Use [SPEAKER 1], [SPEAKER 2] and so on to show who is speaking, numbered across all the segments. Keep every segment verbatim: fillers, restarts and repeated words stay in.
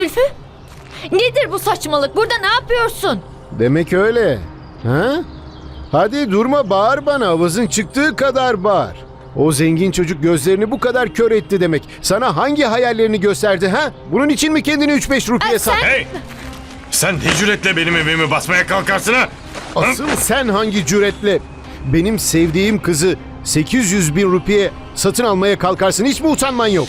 [SPEAKER 1] Zülfü? Nedir bu saçmalık? Burada ne yapıyorsun?
[SPEAKER 2] Demek öyle. Ha? Hadi durma, bağır bana. Avazın çıktığı kadar bağır. O zengin çocuk gözlerini bu kadar kör etti demek. Sana hangi hayallerini gösterdi ha? Bunun için mi kendini üç beş rupiye
[SPEAKER 1] Ay,
[SPEAKER 2] sat?
[SPEAKER 1] sen-
[SPEAKER 3] Hey! Sen ne cüretle benim evimi basmaya kalkarsın ha?
[SPEAKER 2] Asıl sen hangi cüretle benim sevdiğim kızı sekiz yüz bin rupiye satın almaya kalkarsın? Hiç mi utanman yok?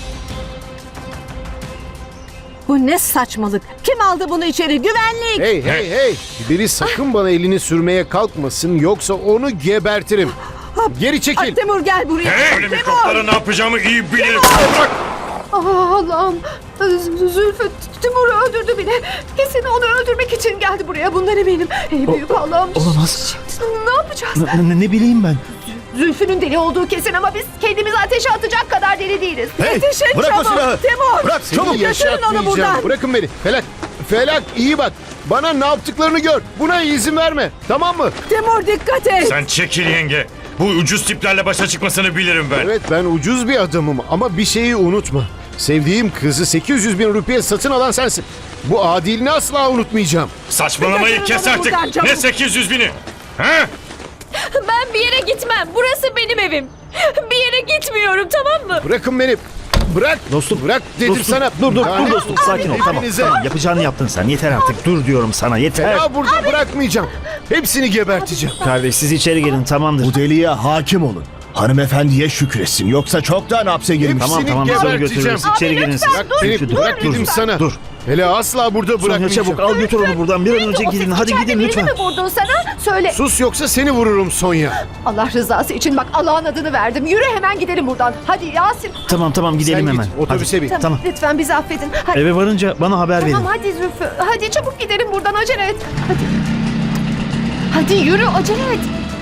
[SPEAKER 4] Bu ne saçmalık? Kim aldı bunu içeri? Güvenlik!
[SPEAKER 2] Hey hey hey! Biri sakın bana elini sürmeye kalkmasın, yoksa onu gebertirim. Geri
[SPEAKER 4] Ay,
[SPEAKER 2] çekil.
[SPEAKER 4] Timur gel buraya.
[SPEAKER 3] Hey! Öyle mikroplara ne yapacağımı iyi bilirim. Bırak!
[SPEAKER 5] Aa, Allah'ım. Z- Zülfü Timur'u öldürdü bile. Kesin onu öldürmek için geldi buraya. Bundan eminim. Ey büyük Allah'ım.
[SPEAKER 6] Olamaz.
[SPEAKER 5] Ne yapacağız?
[SPEAKER 6] Ne, ne- ne bileyim ben.
[SPEAKER 5] Zülfü'nün deli olduğu kesin ama biz kendimizi ateşe atacak kadar deli değiliz. Yetişin
[SPEAKER 6] bırak o
[SPEAKER 5] çabuk.
[SPEAKER 6] silahı.
[SPEAKER 5] Timur.
[SPEAKER 6] Bırak
[SPEAKER 2] Seni
[SPEAKER 6] çabuk.
[SPEAKER 4] götürün onu
[SPEAKER 2] yaşatmayacağım.
[SPEAKER 4] buradan.
[SPEAKER 2] Bırakın beni. Felak, Felak iyi bak. Bana ne yaptıklarını gör. Buna izin verme. Tamam mı?
[SPEAKER 4] Timur dikkat et.
[SPEAKER 3] Sen çekil yenge. Bu ucuz tiplerle başa çıkmasını bilirim ben.
[SPEAKER 2] Evet, ben ucuz bir adamım ama bir şeyi unutma. Sevdiğim kızı sekiz yüz bin rupiye satın alan sensin. Bu adilini asla unutmayacağım.
[SPEAKER 3] Saçmalamayı
[SPEAKER 4] Götürün
[SPEAKER 3] kes
[SPEAKER 4] onu
[SPEAKER 3] artık.
[SPEAKER 4] buradan, çabuk.
[SPEAKER 3] Ne sekiz yüz bini? Ha?
[SPEAKER 1] Ben bir yere gitmem. Burası benim evim. Bir yere gitmiyorum, tamam mı?
[SPEAKER 2] Bırakın beni. Bırak.
[SPEAKER 6] Dostum.
[SPEAKER 2] Bırak dedim
[SPEAKER 6] Dostum,
[SPEAKER 2] sana.
[SPEAKER 6] Dur dur
[SPEAKER 2] Yani
[SPEAKER 6] dur dostum sakin ol tamam,
[SPEAKER 2] hepinize-
[SPEAKER 6] tamam. Yapacağını yaptın sen, yeter artık, dur diyorum sana, yeter.
[SPEAKER 2] Ya burada bırakmayacağım. Hepsini geberteceğim.
[SPEAKER 6] Kardeş siz içeri gelin, tamamdır.
[SPEAKER 7] Bu deliye hakim olun. Hanımefendiye şükretsin. Yoksa çoktan hapse girmiş.
[SPEAKER 6] Tamam
[SPEAKER 2] hepsini
[SPEAKER 6] tamam, sonra
[SPEAKER 2] geberteceğim.
[SPEAKER 6] götürürüz, içeri gelin siz.
[SPEAKER 2] Bırak beni,
[SPEAKER 6] Dur,
[SPEAKER 2] bırak
[SPEAKER 6] dur,
[SPEAKER 2] dedim
[SPEAKER 6] dur.
[SPEAKER 2] sana.
[SPEAKER 6] Dur.
[SPEAKER 2] Hele asla burada
[SPEAKER 6] Sonya
[SPEAKER 2] bırakmayacağım.
[SPEAKER 6] çabuk al götür onu buradan, bir an önce
[SPEAKER 5] O
[SPEAKER 6] gidin,
[SPEAKER 5] ses
[SPEAKER 6] hadi
[SPEAKER 5] içeride
[SPEAKER 6] gidin
[SPEAKER 5] birini
[SPEAKER 6] lütfen.
[SPEAKER 5] mi vurdun sana? Söyle.
[SPEAKER 2] Sus, yoksa seni vururum Sonya.
[SPEAKER 5] Allah rızası için bak, Allah'ın adını verdim. Yürü hemen gidelim buradan. Hadi Yasin.
[SPEAKER 6] Tamam tamam gidelim
[SPEAKER 2] Sen
[SPEAKER 6] hemen.
[SPEAKER 2] git, otobüse bin.
[SPEAKER 5] Tamam,
[SPEAKER 6] Tamam.
[SPEAKER 5] lütfen bizi affedin. Hadi.
[SPEAKER 6] Eve varınca bana haber verin.
[SPEAKER 5] Tamam hadi Zülfü. Hadi çabuk gidelim buradan, acele et. Hadi. Hadi yürü, acele et.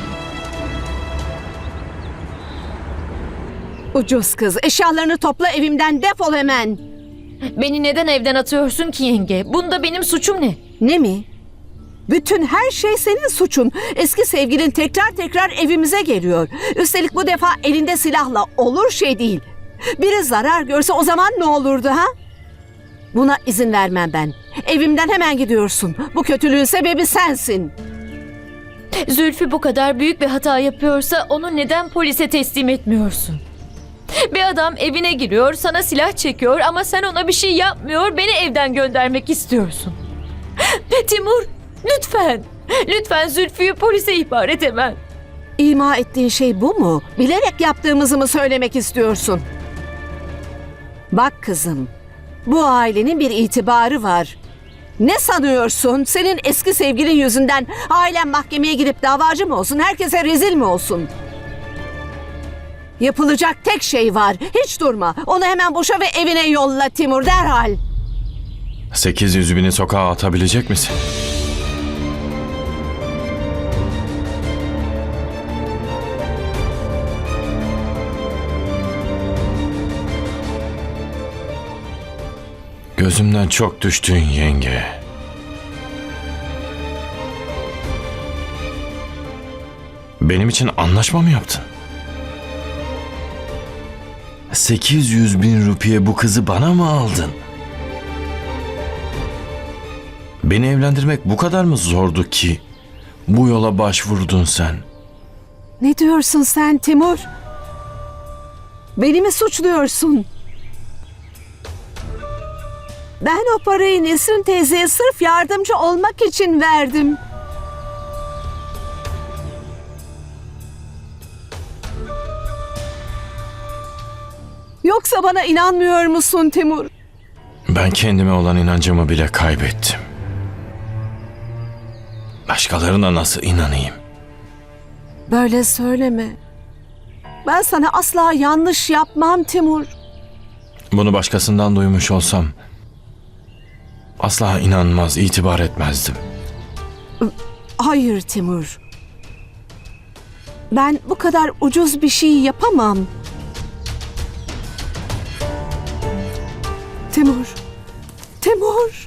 [SPEAKER 4] Ucuz kız. Eşyalarını topla, evimden defol hemen.
[SPEAKER 1] Beni neden evden atıyorsun ki yenge? Bunda benim suçum ne?
[SPEAKER 4] Ne mi? Bütün her şey senin suçun. Eski sevgilin tekrar tekrar evimize geliyor. Üstelik bu defa elinde silahla, olur şey değil. Biri zarar görse o zaman ne olurdu ha? Buna izin vermem ben. Evimden hemen gidiyorsun. Bu kötülüğün sebebi sensin.
[SPEAKER 1] Zülfü bu kadar büyük bir hata yapıyorsa onu neden polise teslim etmiyorsun? Bir adam evine giriyor, sana silah çekiyor ama sen ona bir şey yapmıyor, beni evden göndermek istiyorsun. Timur, lütfen, lütfen Zülfü'yü polise ihbar et hemen.
[SPEAKER 4] İma ettiğin şey bu mu? Bilerek yaptığımızı mı söylemek istiyorsun? Bak kızım, bu ailenin bir itibarı var. Ne sanıyorsun? Senin eski sevgilin yüzünden ailen mahkemeye gidip davacı mı olsun? Herkese rezil mi olsun? Yapılacak tek şey var. Hiç durma. Onu hemen boşa ve evine yolla Timur, derhal.
[SPEAKER 3] sekiz yüz bini sokağa atabilecek misin? Gözümden çok düştün yenge. Benim için anlaşma mı yaptın? sekiz yüz bin rupiye bu kızı bana mı aldın? Beni evlendirmek bu kadar mı zordu ki bu yola başvurdun sen?
[SPEAKER 4] Ne diyorsun sen Timur? Beni mi suçluyorsun? Ben o parayı Nesrin teyzeye sırf yardımcı olmak için verdim. Yoksa bana inanmıyor musun Timur?
[SPEAKER 3] Ben kendime olan inancımı bile kaybettim. Başkalarına nasıl inanayım?
[SPEAKER 4] Böyle söyleme. Ben sana asla yanlış yapmam Timur.
[SPEAKER 3] Bunu başkasından duymuş olsam asla inanmaz, itibar etmezdim.
[SPEAKER 4] Hayır Timur. Ben bu kadar ucuz bir şey yapamam. Timur. Timur.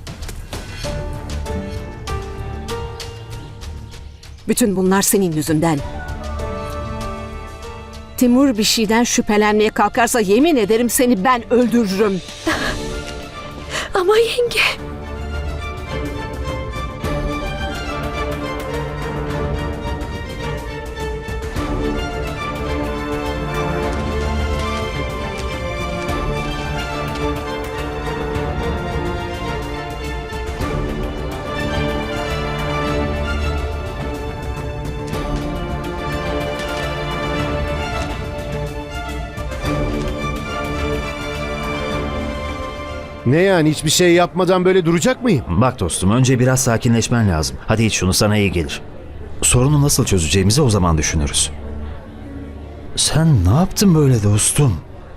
[SPEAKER 4] Bütün bunlar senin yüzünden. Timur bir şeyden şüphelenmeye kalkarsa yemin ederim seni ben öldürürüm.
[SPEAKER 5] Ama yenge.
[SPEAKER 2] Ne yani, hiçbir şey yapmadan böyle duracak mıyım?
[SPEAKER 6] Bak dostum, önce biraz sakinleşmen lazım. Hadi iç şunu, sana iyi gelir. Sorunu nasıl çözeceğimizi o zaman düşünürüz. Sen ne yaptın böyle dostum?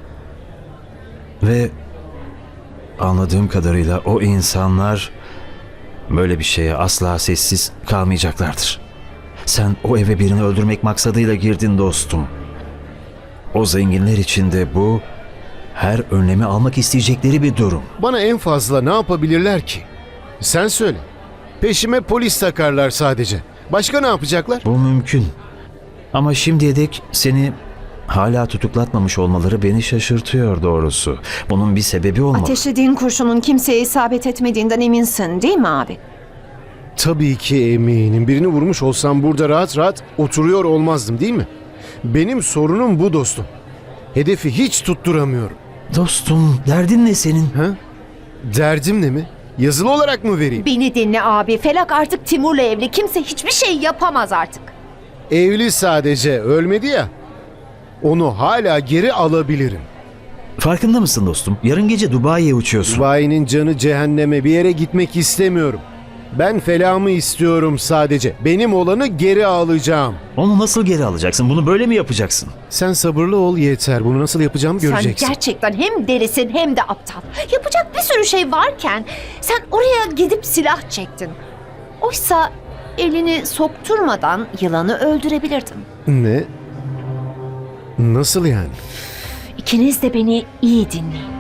[SPEAKER 6] Ve anladığım kadarıyla o insanlar böyle bir şeye asla sessiz kalmayacaklardır. Sen o eve birini öldürmek maksadıyla girdin dostum. O zenginler için de bu her önlemi almak isteyecekleri bir durum.
[SPEAKER 2] Bana en fazla ne yapabilirler ki? Sen söyle. Peşime polis takarlar sadece. Başka ne yapacaklar?
[SPEAKER 6] Bu mümkün. Ama şimdiye dek seni hala tutuklatmamış olmaları beni şaşırtıyor doğrusu. Bunun bir sebebi olmalı.
[SPEAKER 8] Ateşlediğin kurşunun kimseye isabet etmediğinden eminsin değil mi abi?
[SPEAKER 2] Tabii ki eminim. Birini vurmuş olsam burada rahat rahat oturuyor olmazdım, değil mi? Benim sorunum bu dostum. Hedefi hiç tutturamıyorum.
[SPEAKER 6] Dostum, derdin ne senin?
[SPEAKER 2] Ha? Derdim ne mi? Yazılı olarak mı vereyim?
[SPEAKER 8] Beni dinle abi. Felak artık Timur'la evli. Kimse hiçbir şey yapamaz artık.
[SPEAKER 2] Evli sadece, ölmedi ya. Onu hala geri alabilirim.
[SPEAKER 6] Farkında mısın dostum? Yarın gece Dubai'ye uçuyorsun.
[SPEAKER 2] Dubai'nin canı cehenneme, bir yere gitmek istemiyorum. Ben felamı istiyorum sadece. Benim olanı geri alacağım.
[SPEAKER 6] Onu nasıl geri alacaksın? Bunu böyle mi yapacaksın?
[SPEAKER 2] Sen sabırlı ol yeter. Bunu nasıl yapacağımı göreceksin.
[SPEAKER 8] Sen gerçekten hem delisin hem de aptal. Yapacak bir sürü şey varken sen oraya gidip silah çektin. Oysa elini sokturmadan yılanı öldürebilirdin.
[SPEAKER 2] Ne? Nasıl yani?
[SPEAKER 8] İkiniz de beni iyi dinleyin.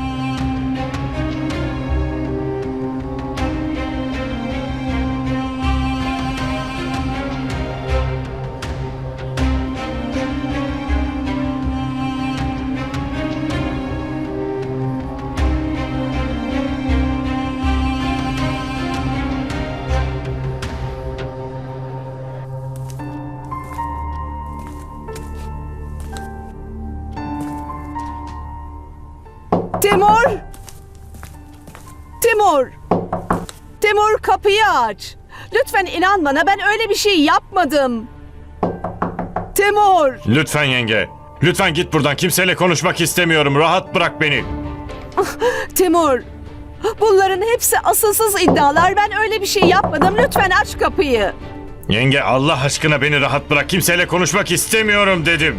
[SPEAKER 4] Timur! Timur! Timur, kapıyı aç. Lütfen inan bana, ben öyle bir şey yapmadım. Timur!
[SPEAKER 9] Lütfen yenge. Lütfen git buradan. Kimseyle konuşmak istemiyorum. Rahat bırak beni.
[SPEAKER 4] Timur! Bunların hepsi asılsız iddialar. Ben öyle bir şey yapmadım. Lütfen aç kapıyı.
[SPEAKER 9] Yenge, Allah aşkına beni rahat bırak. Kimseyle konuşmak istemiyorum dedim.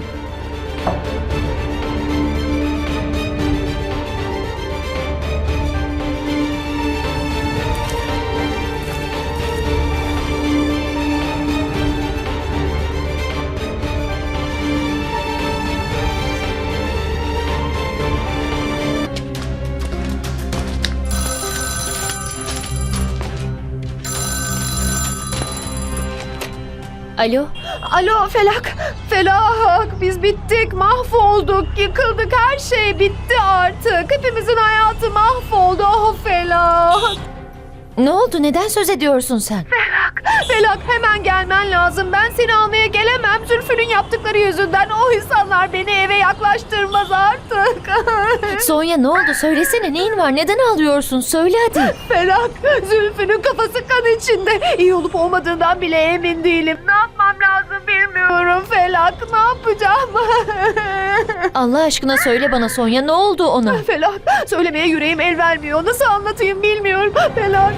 [SPEAKER 1] Alo?
[SPEAKER 5] Alo Felak. Felak. Biz bittik. Mahvolduk. Yıkıldık. Her şey bitti artık. Hepimizin hayatı mahvoldu. Oh Felak.
[SPEAKER 1] Ne oldu? Neden söz ediyorsun sen?
[SPEAKER 5] Felak, hemen gelmen lazım. Ben seni almaya gelemem. Zülfü'nün yaptıkları yüzünden o insanlar beni eve yaklaştırmaz artık.
[SPEAKER 1] Sonya, ne oldu? Söylesene, neyin var? Neden ağlıyorsun? Söyle hadi.
[SPEAKER 5] Felak, Zülfü'nün kafası kan içinde. İyi olup olmadığından bile emin değilim. Ne yapmam lazım bilmiyorum Felak. Ne yapacağım?
[SPEAKER 1] Allah aşkına söyle bana Sonya, ne oldu ona?
[SPEAKER 5] Felak, söylemeye yüreğim el vermiyor. Nasıl anlatayım bilmiyorum. Felak.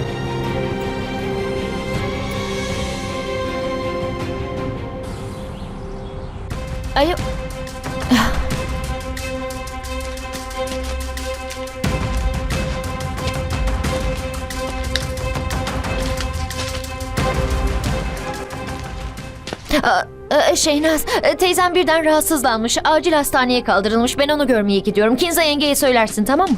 [SPEAKER 1] Alo? Aa, e, Şeynaz, e, teyzem birden rahatsızlanmış. Acil hastaneye kaldırılmış. Ben onu görmeye gidiyorum. Kinza yengeye söylersin, tamam mı?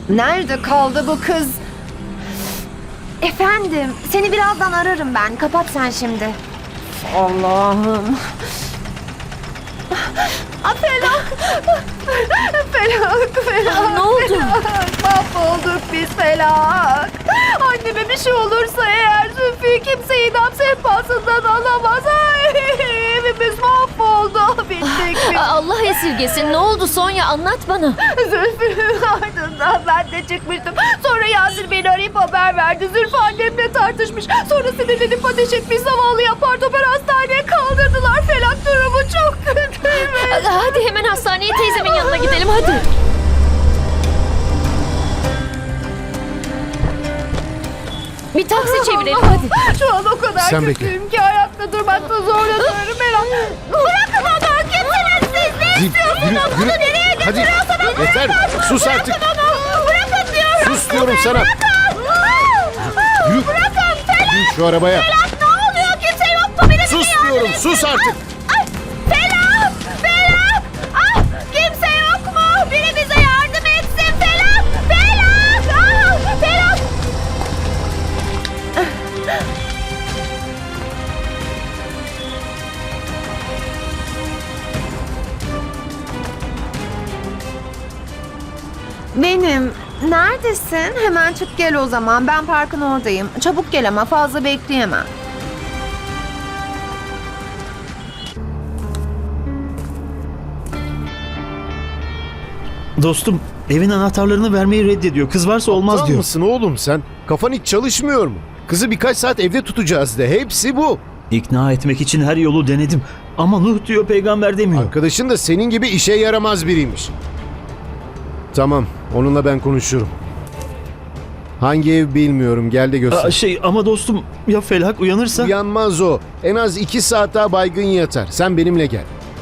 [SPEAKER 8] Nerede kaldı bu kız? Efendim, seni birazdan ararım ben. Kapat sen şimdi. Allah'ım.
[SPEAKER 5] Ah, Felak! Felak, Felak!
[SPEAKER 1] Ne oldu?
[SPEAKER 5] Felak, mahvolduk biz Felak! Anneme bir şey olursa eğer Zülfü kimse idam sehpasından alamaz. Ay, evimiz mahvoldu. Bittik biz.
[SPEAKER 1] Aa, Allah esirgesin. Ne oldu Sonya? Anlat bana.
[SPEAKER 5] Zülfü'nün ardından ben de çıkmıştım. Sonra Yasir beni arayıp haber verdi. Zülfü annemle tartışmış. Sonra sinirlenip ateş etmiş. Zavallı apar topar hastaneye kaldırdılar. Felak durumu çok kötüymüş.
[SPEAKER 1] Aa, Hadi hemen hastaneye teyzemin yanına gidelim hadi. Bir taksi çevirelim hadi.
[SPEAKER 5] Şu an o kadar
[SPEAKER 2] Sen
[SPEAKER 5] kötüyüm ki ayakta durmakta zorlanıyorum. Felak. Bırakın onu. Kimsiniz siz? Ne
[SPEAKER 2] Yürü,
[SPEAKER 5] istiyorsunuz?
[SPEAKER 2] yürü,
[SPEAKER 5] Onu
[SPEAKER 2] yürü.
[SPEAKER 5] nereye
[SPEAKER 2] Hadi,
[SPEAKER 5] götürüyorsunuz?
[SPEAKER 2] yeter. Sus artık.
[SPEAKER 5] Onu. Bırakın diyorum.
[SPEAKER 2] Sus diyorum sana.
[SPEAKER 5] Bırakın.
[SPEAKER 2] Yürü.
[SPEAKER 5] Bırakın Felak.
[SPEAKER 2] Bin şu arabaya.
[SPEAKER 5] Felak ne oluyor? Kimse yok mu? Biri
[SPEAKER 2] Sus
[SPEAKER 5] bize yardım
[SPEAKER 2] diyorum.
[SPEAKER 5] etsin.
[SPEAKER 2] Sus artık.
[SPEAKER 5] Ay, Felak. Felak. Ah, kimse yok mu? Biri bize yardım etsin. Felak. Felak. Ah, Felak.
[SPEAKER 8] Benim. Neredesin? Hemen çık gel o zaman. Ben parkın oradayım. Çabuk gel ama fazla bekleyemem.
[SPEAKER 6] Dostum evin anahtarlarını vermeyi reddediyor. Kız varsa olmaz
[SPEAKER 2] Aptal
[SPEAKER 6] diyor.
[SPEAKER 2] mısın oğlum sen? Kafan hiç çalışmıyor mu? Kızı birkaç saat evde tutacağız de. Hepsi bu.
[SPEAKER 6] İkna etmek için her yolu denedim. Ama Nuh diyor, peygamber demiyor.
[SPEAKER 2] Arkadaşın da senin gibi işe yaramaz biriymiş. Tamam, onunla ben konuşurum. Hangi ev bilmiyorum, gel de göster.
[SPEAKER 6] Aa, şey ama dostum ya Felak uyanırsa?
[SPEAKER 2] Uyanmaz o. En az iki saat daha baygın yatar. Sen benimle gel.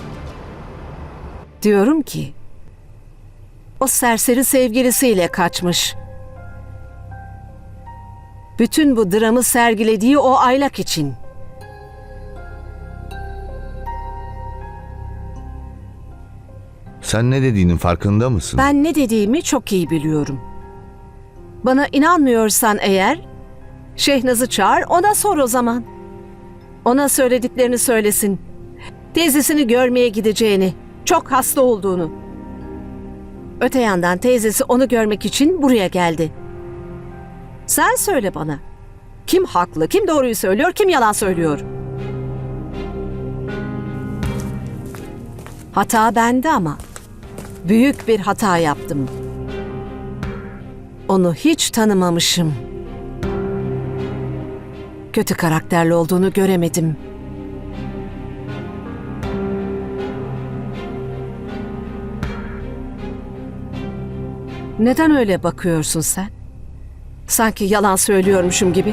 [SPEAKER 4] Diyorum ki o serseri sevgilisiyle kaçmış. Bütün bu dramı sergilediği o aylak için.
[SPEAKER 7] Sen ne dediğinin farkında mısın?
[SPEAKER 4] Ben ne dediğimi çok iyi biliyorum. Bana inanmıyorsan eğer Şehnaz'ı çağır, ona sor o zaman. Ona söylediklerini söylesin. Teyzesini görmeye gideceğini, çok hasta olduğunu. Öte yandan teyzesi onu görmek için buraya geldi. Sen söyle bana. Kim haklı, kim doğruyu söylüyor, kim yalan söylüyor? Hata bende ama büyük bir hata yaptım. Onu hiç tanımamışım. Kötü karakterli olduğunu göremedim. Neden öyle bakıyorsun sen? Sanki yalan söylüyormuşum gibi.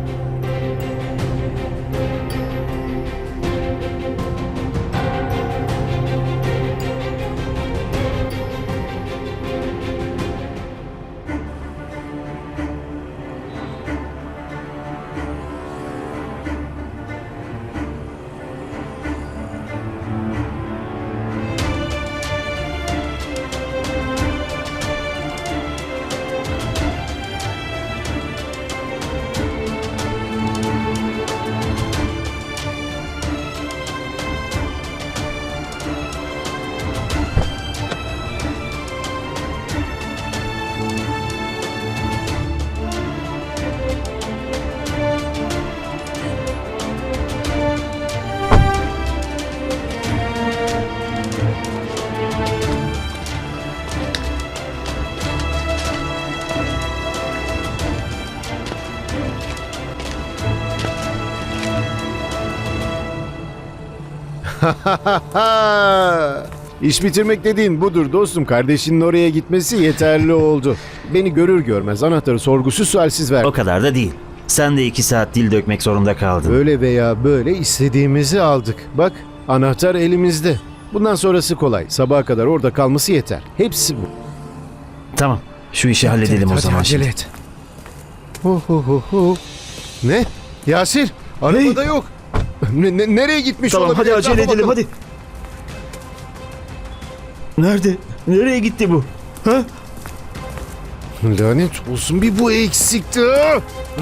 [SPEAKER 2] İş bitirmek dediğin budur dostum. Kardeşinin oraya gitmesi yeterli oldu. Beni görür görmez anahtarı sorgusuz sualsiz ver.
[SPEAKER 6] O kadar da değil. Sen de iki saat dil dökmek zorunda kaldın.
[SPEAKER 2] Böyle veya böyle istediğimizi aldık. Bak, anahtar elimizde. Bundan sonrası kolay. Sabaha kadar orada kalması yeter. Hepsi bu.
[SPEAKER 6] Tamam, şu işi halledelim
[SPEAKER 2] Hadi
[SPEAKER 6] o zaman
[SPEAKER 2] acele
[SPEAKER 6] şimdi.
[SPEAKER 2] et. Hu hu hu hu. Ne? Yasir, arabada yok. Ne- ne- nereye gitmiş
[SPEAKER 6] Tamam
[SPEAKER 2] olabilir?
[SPEAKER 6] hadi acele
[SPEAKER 2] Etrafa
[SPEAKER 6] edelim
[SPEAKER 2] bakalım.
[SPEAKER 6] hadi. Nerede? Nereye gitti bu? Ha?
[SPEAKER 2] Lanet olsun, bir bu eksikti. Ah!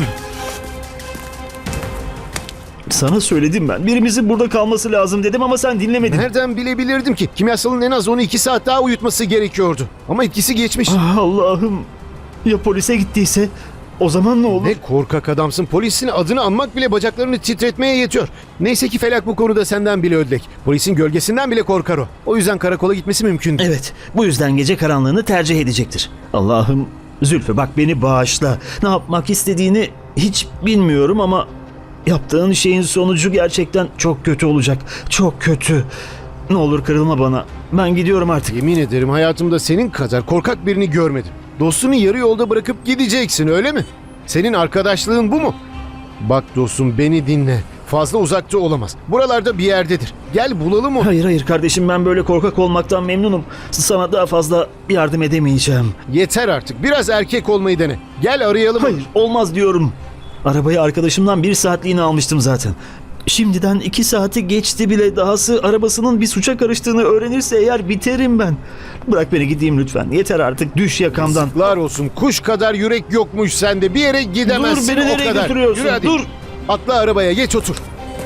[SPEAKER 6] Sana söyledim ben. Birimizin burada kalması lazım dedim ama sen dinlemedin.
[SPEAKER 2] Nereden bilebilirdim ki? Kimyasalın en az onu iki saat daha uyutması gerekiyordu. Ama etkisi geçmiş.
[SPEAKER 6] Ah, Allah'ım. Ya polise gittiyse? O zaman ne olur?
[SPEAKER 2] Ne korkak adamsın. Polisin adını anmak bile bacaklarını titretmeye yetiyor. Neyse ki Felak bu konuda senden bile ödlek. Polisin gölgesinden bile korkar o. O yüzden karakola gitmesi mümkün değil.
[SPEAKER 6] Evet. Bu yüzden gece karanlığını tercih edecektir. Allah'ım, Zülfü bak beni bağışla. Ne yapmak istediğini hiç bilmiyorum ama yaptığın şeyin sonucu gerçekten çok kötü olacak. Çok kötü. Ne olur kırılma bana. Ben gidiyorum artık.
[SPEAKER 2] Yemin ederim hayatımda senin kadar korkak birini görmedim. Dostunu yarı yolda bırakıp gideceksin, öyle mi? Senin arkadaşlığın bu mu? Bak dostum, beni dinle. Fazla uzakta olamaz. Buralarda bir yerdedir. Gel bulalım onu.
[SPEAKER 6] Hayır hayır kardeşim, ben böyle korkak olmaktan memnunum. Sana daha fazla yardım edemeyeceğim.
[SPEAKER 2] Yeter artık. Biraz erkek olmayı dene. Gel arayalım.
[SPEAKER 6] Hayır olmaz diyorum. Arabayı arkadaşımdan bir saatliğine almıştım zaten. Şimdiden iki saati geçti bile, dahası arabasının bir suça karıştığını öğrenirse eğer biterim ben. Bırak beni gideyim lütfen. Yeter artık, düş yakamdan.
[SPEAKER 2] Yazıklar olsun. Kuş kadar yürek yokmuş sende. Bir yere gidemezsin.
[SPEAKER 6] Dur, beni
[SPEAKER 2] o
[SPEAKER 6] nereye
[SPEAKER 2] kadar.
[SPEAKER 6] götürüyorsun?
[SPEAKER 2] Yürü hadi.
[SPEAKER 6] Dur.
[SPEAKER 2] Atla arabaya, geç otur.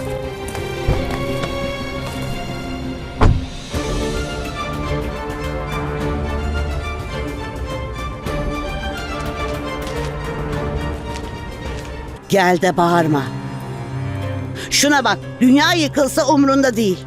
[SPEAKER 10] Gel de bağırma. Şuna bak, dünya yıkılsa umrunda değil.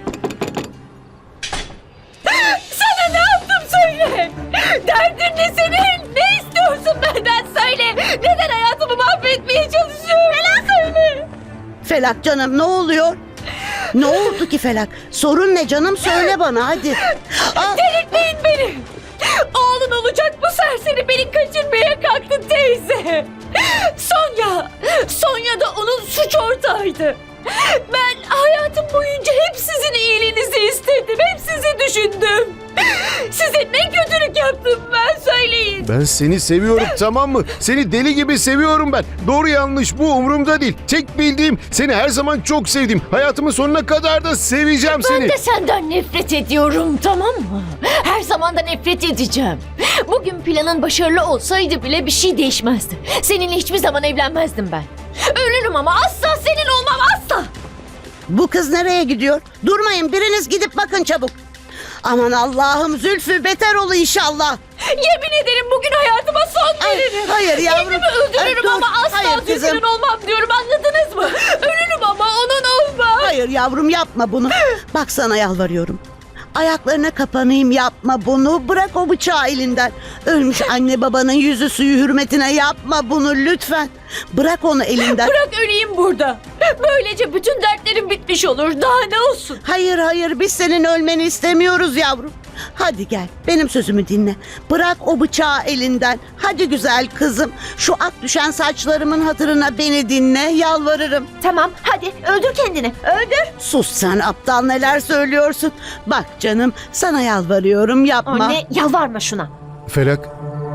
[SPEAKER 1] Sana ne yaptım söyle. Derdin ne senin? Ne istiyorsun benden söyle. Neden hayatımı mahvetmeye çalışıyorsun? Bana söyle.
[SPEAKER 10] Felak canım, ne oluyor? Ne oldu ki Felak? Sorun ne canım, söyle bana hadi. Aa,
[SPEAKER 1] Delirtmeyin beni. Oğlun olacak bu serseri beni kaçırmaya kalktı teyze. Sonya. Sonya da onun suç ortağıydı. Ben hayatım boyunca hep sizin iyiliğinizi istedim. Hep sizi düşündüm. Size ne kötülük yaptım ben, söyleyin.
[SPEAKER 2] Ben seni seviyorum, tamam mı? Seni deli gibi seviyorum ben. Doğru yanlış bu umurumda değil. Tek bildiğim, seni her zaman çok sevdim. Hayatımın sonuna kadar da seveceğim seni.
[SPEAKER 1] Ben de senden nefret ediyorum, tamam mı? Her zaman da nefret edeceğim. Bugün planın başarılı olsaydı bile bir şey değişmezdi. Seninle hiçbir zaman evlenmezdim ben. Ölürüm ama asla senin olmam, asla.
[SPEAKER 10] bu kız nereye gidiyor? Durmayın, biriniz gidip bakın çabuk. Aman Allah'ım, Zülfü beter ol inşallah.
[SPEAKER 1] Yemin ederim bugün hayatıma son
[SPEAKER 10] Ay,
[SPEAKER 1] veririm.
[SPEAKER 10] hayır yavrum.
[SPEAKER 1] Kendimi öldürürüm
[SPEAKER 10] Ay, dur.
[SPEAKER 1] ama asla
[SPEAKER 10] Hayır kızım.
[SPEAKER 1] Zülfü'nün olmam diyorum, anladınız mı? Ölürüm ama onun olmam.
[SPEAKER 10] Hayır yavrum, yapma bunu. Bak sana yalvarıyorum. Ayaklarına kapanayım, yapma bunu. Bırak o bıçağı elinden. Ölmüş anne babanın yüzü suyu hürmetine yapma bunu lütfen. Bırak onu elinden.
[SPEAKER 1] Bırak öleyim burada. Böylece bütün dertlerim bitmiş olur. Daha ne olsun?
[SPEAKER 10] Hayır hayır, biz senin ölmeni istemiyoruz yavrum. Hadi gel, benim sözümü dinle. Bırak o bıçağı elinden. Hadi güzel kızım. Şu ak düşen saçlarımın hatırına beni dinle, yalvarırım.
[SPEAKER 8] Tamam hadi öldür kendini. Öldür.
[SPEAKER 10] Sus sen aptal, neler söylüyorsun. Bak canım, sana yalvarıyorum, yapma.
[SPEAKER 8] Anne yalvarma şuna.
[SPEAKER 2] Felak,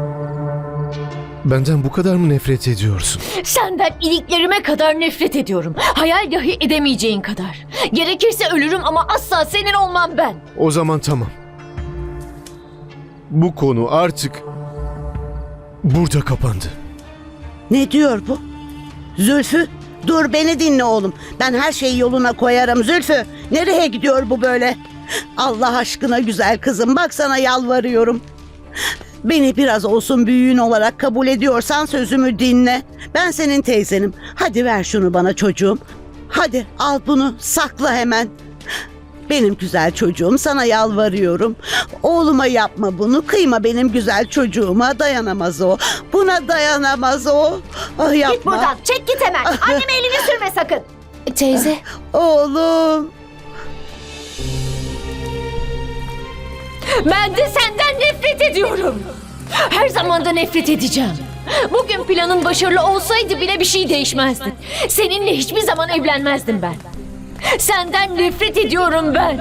[SPEAKER 2] benden bu kadar mı nefret ediyorsun?
[SPEAKER 1] Senden iliklerime kadar nefret ediyorum. Hayal dahi edemeyeceğin kadar. Gerekirse ölürüm ama asla senin olmam ben.
[SPEAKER 2] O zaman tamam. Bu konu artık burada kapandı.
[SPEAKER 10] Ne diyor bu? Zülfü, dur beni dinle oğlum. Ben her şeyi yoluna koyarım. Zülfü, nereye gidiyor bu böyle? Allah aşkına güzel kızım, bak sana yalvarıyorum. Beni biraz olsun büyüğün olarak kabul ediyorsan sözümü dinle. Ben senin teyzenim. Hadi ver şunu bana çocuğum. Hadi al bunu, sakla hemen. Benim güzel çocuğum, sana yalvarıyorum. Oğluma yapma bunu, kıyma benim güzel çocuğuma, dayanamaz o. Buna dayanamaz o. Ah, yapma.
[SPEAKER 8] Git buradan. Çek git hemen. Anneme elini sürme sakın.
[SPEAKER 1] Teyze.
[SPEAKER 10] Oğlum.
[SPEAKER 1] Ben de senden nefret ediyorum. Her zaman da nefret edeceğim. Bugün planın başarılı olsaydı bile bir şey değişmezdi. Seninle hiçbir zaman evlenmezdim ben. Senden nefret ediyorum ben.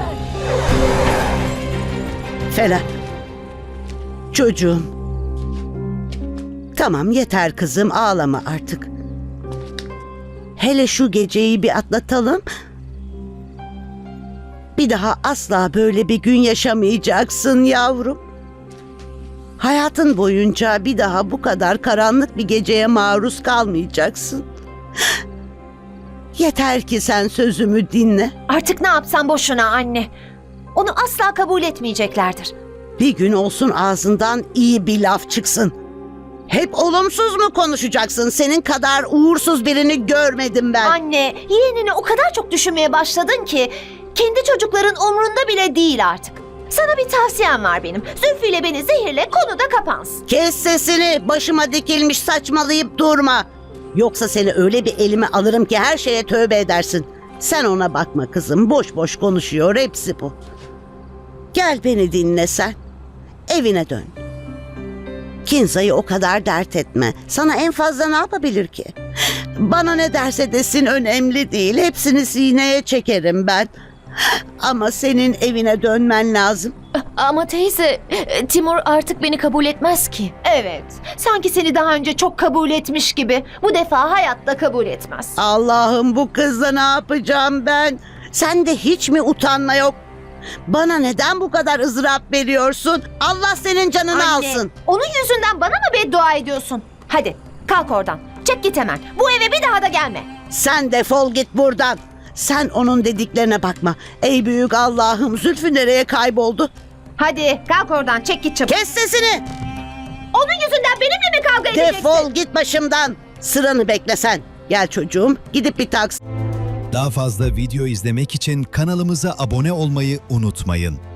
[SPEAKER 10] Felak. Çocuğum. Tamam yeter kızım, ağlama artık. Hele şu geceyi bir atlatalım. Bir daha asla böyle bir gün yaşamayacaksın yavrum. Hayatın boyunca bir daha bu kadar karanlık bir geceye maruz kalmayacaksın. Yeter ki sen sözümü dinle.
[SPEAKER 8] Artık ne yapsam boşuna anne. Onu asla kabul etmeyeceklerdir.
[SPEAKER 10] Bir gün olsun ağzından iyi bir laf çıksın. Hep olumsuz mu konuşacaksın? Senin kadar uğursuz birini görmedim ben.
[SPEAKER 8] Anne, yeğenini o kadar çok düşünmeye başladın ki kendi çocukların umrunda bile değil artık. Sana bir tavsiyem var benim. Zülfü ile beni zehirle, konu da kapansın.
[SPEAKER 10] Kes sesini, başıma dikilmiş saçmalayıp durma. Yoksa seni öyle bir elime alırım ki her şeye tövbe edersin. Sen ona bakma kızım, boş boş konuşuyor, hepsi bu. Gel beni dinle sen. Evine dön. Kinza'yı o kadar dert etme. Sana en fazla ne yapabilir ki? Bana ne derse desin önemli değil. Hepsini sineye çekerim ben. Ama senin evine dönmen lazım.
[SPEAKER 1] Ama teyze, Timur artık beni kabul etmez ki.
[SPEAKER 8] Evet, sanki seni daha önce çok kabul etmiş gibi. Bu defa hayatta kabul etmez.
[SPEAKER 10] Allah'ım, bu kızla ne yapacağım ben? Sende hiç mi utanma yok? Bana neden bu kadar ızdırap veriyorsun? Allah senin canını
[SPEAKER 8] Anne,
[SPEAKER 10] alsın.
[SPEAKER 8] onun yüzünden bana mı beddua ediyorsun? Hadi kalk oradan. Çek git hemen. Bu eve bir daha da gelme.
[SPEAKER 10] Sen defol git buradan. Sen onun dediklerine bakma. Ey büyük Allah'ım, Zülfü nereye kayboldu?
[SPEAKER 8] Hadi kalk oradan, çek git çabuk.
[SPEAKER 10] Kes sesini.
[SPEAKER 8] Onun yüzünden benimle mi kavga edeceksin?
[SPEAKER 10] Defol git başımdan. Sıranı bekle sen. Gel çocuğum, gidip bir taksi.
[SPEAKER 11] Daha fazla video izlemek için kanalımıza abone olmayı unutmayın.